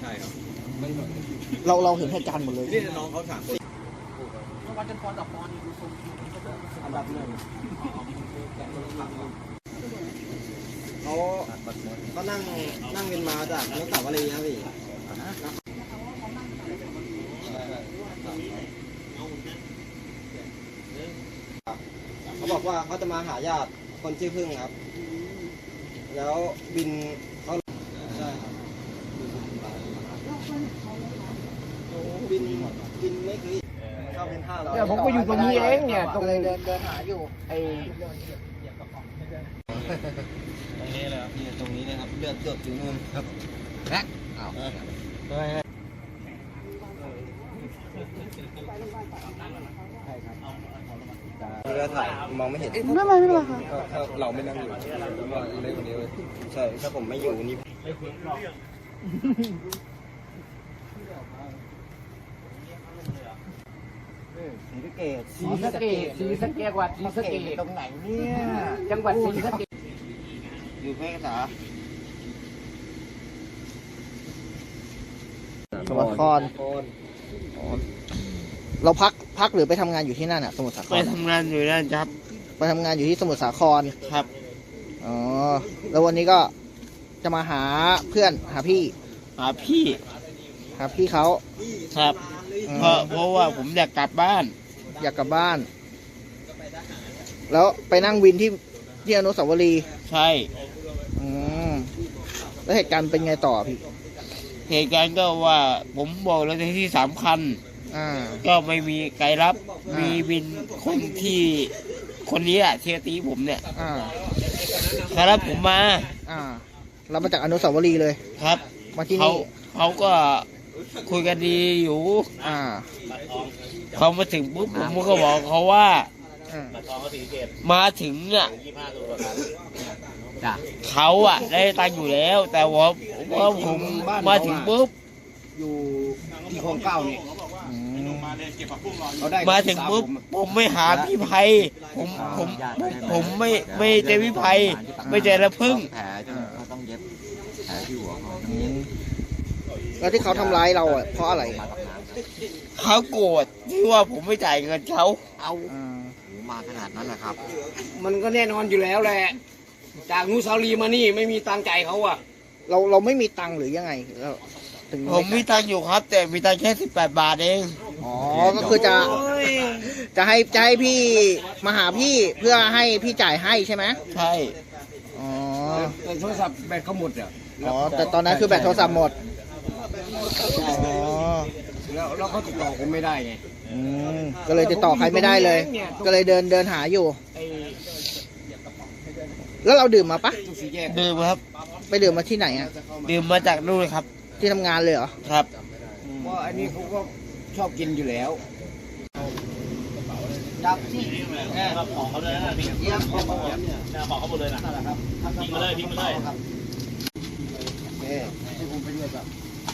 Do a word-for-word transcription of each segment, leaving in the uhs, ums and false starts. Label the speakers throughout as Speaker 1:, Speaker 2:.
Speaker 1: ช่ครับ
Speaker 2: เราเราเห็นเหตุการณ์หมดเลย
Speaker 1: นี่น้องเขาถามคน
Speaker 3: วันจันทร์ปอนดับปอนนี่ดูทรงอันดับหนึ่ง
Speaker 1: เขาเขานั่งนั่งวินมาจากอนุสาวรีย์ครับพี่เขาบอกว่าเขาจะมาหาญาติคนชื่อพึ่งครับแล้วบินเขาใช่ครับบินบินไม่เคยเข้าเป็นห้าร้อย
Speaker 3: เนี่ยผมก็อยู่ตรงนี้เองเนี่ยตรงเลยเดินเดินหาอยู่ไอ้
Speaker 1: ตรงนี้เลยครับนี่ตรงนี้เลยครับเลือดเกือบถึงนู่นครับ
Speaker 2: แอ๊ะอ้าว
Speaker 1: เรือถ่ายมองไม่เห็น
Speaker 2: ไม่เป็นไรไม่เป็นไรค่ะ
Speaker 1: ถ้าเราไม่นั่งอยู่ว่าเล็กกว่านี้เลยใช่ถ้าผมไม่อยู่นี่
Speaker 2: ศรีสะเกษ
Speaker 3: ศรีสะเกษศรีสะเกษวัดศรีสะเกษ
Speaker 2: ตรงไหนเนี่ย
Speaker 3: จังหวัดศรีสะเกษ
Speaker 1: อยู่แพร่กษา
Speaker 2: สมุทรสาครเราพักพักหรือไปทำงานอยู่ที่นั่นอ่ะสมุทรสาคร
Speaker 4: ไปทำงานอยู่นั่นครับ
Speaker 2: ไปทำงานอยู่ที่สมุทรสาคร
Speaker 4: ครับ
Speaker 2: อ๋อแล้ววันนี้ก็จะมาหาเพื่อนหาพี่
Speaker 4: หาพี่
Speaker 2: หาพี่เขา
Speaker 4: ครับเพราะเพราะว่าผมอยากกลับบ้าน
Speaker 2: อยากกลับบ้าน แล้วไปนั่งวินที่ที่อนุสาวรีย์
Speaker 4: ใช่
Speaker 2: อืมแล้วเหตุการณ์เป็นไงต่อพี่
Speaker 4: เหตุการณ์ก็ว่าผมบอกแล้วที่สามคันก็ไม่มีใครรับมีวินคนที่คนนี้อะเทียตีผมเนี่ยเขารับผมมา
Speaker 2: เรามาจากอนุสาวรีย์เลย
Speaker 4: ครับ
Speaker 2: มาที่
Speaker 4: นี่เขาก็คุยกันดีอยู่เขามาถึงปุ๊บผมก็บอกเขาว่ามาถึงอ่ะเขาอ่ะได้ตังค์อยู่แล้วแต่ว่าว่าผมมาถึงปุ๊บ
Speaker 3: อยู่ที่คลองเก้านี่
Speaker 4: มาถึงปุ๊บผมไม่หาพี่ไพผมผมผมไม่ไม่เจอพี่ไพไม่เจอละพึ่ง
Speaker 1: ต้องเย็บแผลที่หัวเขา
Speaker 2: แล้วที่เขาทำร้ายเราอ่ะเพราะอะไร
Speaker 4: เขาโกรธที่ว่าผมไม่จ่ายเงินเขา
Speaker 1: เอามาขนาดนั้นนะครับ
Speaker 3: มันก็แน่นอนอยู่แล้วแหละจากนูซาลีมานี่ไม่มีตังใจเขาอ่ะ
Speaker 2: เราเราไม่มีตังหรือยังไง
Speaker 4: ผมมีตังอยู่ครับแต่มีตังแค่สิบแปดบาทเอง
Speaker 2: อ๋อก็คือจะจะให้จะให้พี่มาหาพี่เพื่อให้พี่จ่ายให้ใช่ไหม
Speaker 4: ใช่
Speaker 2: อ๋อ
Speaker 3: แต่โทรศัพท์แบตเขาหมดอ่ะ
Speaker 2: อ๋อแต่ตอนนั้นคือแบตโทรศัพท์หมดอ๋อ
Speaker 3: แล้วแล้วเขาติดต่อผมไม่ได้ไง
Speaker 2: อืมก็เลยติดต่อใครไม่ได้เลยก็เลยเดินเดินหาอยู่แล้วเราดื่มมาปะ
Speaker 4: ดื่มครับ
Speaker 2: ไปดื่มมาที่ไหนอ่ะ
Speaker 4: ดื่มมาจากนู่นครับ
Speaker 2: ที่ทำงานเลยเหรอ
Speaker 4: ครับ
Speaker 3: เพราะอันนี้เขาก็ชอบกินอยู่แล้วจับที่แม่ของเขาเลยนะพี่เยี่ยมของเขาของเขาหมดเลยนะทิ้งมาเลยทิ้งมาเลยครับโอเคให้ผมไปด้วยแบบ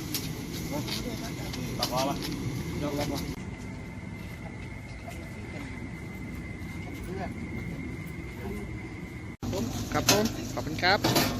Speaker 3: ตัดล้อมายกแล้วมา
Speaker 2: ครับผมขอบคุณครับ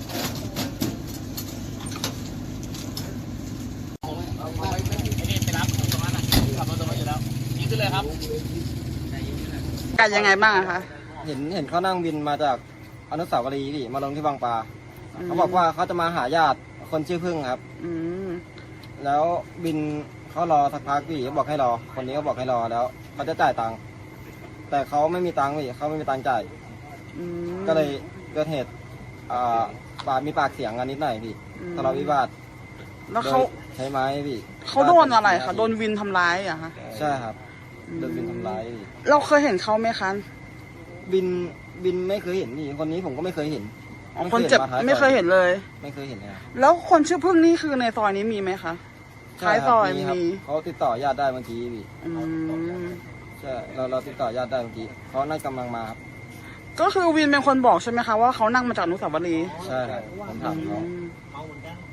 Speaker 5: กันยังไงบ้างคะ
Speaker 1: เห็นเห็นเขานั่งวินมาจากอนุสาวรีย์ดิมาลงที่บางปลาเขาบอกว่าเขาจะมาหาญาติคนชื่อพึ่งครับแล้วบินเขารอสักพักพี่เขาบอกให้รอคนนี้เขาบอกให้รอแล้วเขาจะจ่ายตังค์แต่เขาไม่มีตังค์พี่เขาไม่มีตังค์จ่ายก็เลยเกิดเหตุปามีปากเสียงกันนิดหน่อยพี่ทะเลาะวิวาท
Speaker 5: แล้วเขา
Speaker 1: ใช้ไม้พี่
Speaker 5: เขาโดนอะไรคะโดนวินทำร้ายอ่ะคะ
Speaker 1: ใช่ครับโดนบินทำร้าย
Speaker 5: เราเคยเห็นเขาไหมคะ
Speaker 1: บินบินไม่เคยเห็นนี่คนนี้ผมก็ไม่เคยเห็น
Speaker 5: คนเจ็บไม่เคยเห็นเลย
Speaker 1: ไม่เคยเห็นเลย
Speaker 5: แล้วคนชื่อพึ่งนี่คือในซอยนี้มีไหมคะท้ายซอยมี
Speaker 1: เขาติดต่อญาติได้เมื่อกี้พี่ใช่เราเราติดต่อญาติได้เมื่อกี้เขาน่ากำลังมา
Speaker 5: ก็คือวินเป็นคนบอกใช่ไหมคะว่าเขานั่งมาจากอนุสาวรีย์
Speaker 1: ใช่ครับผมถามเขา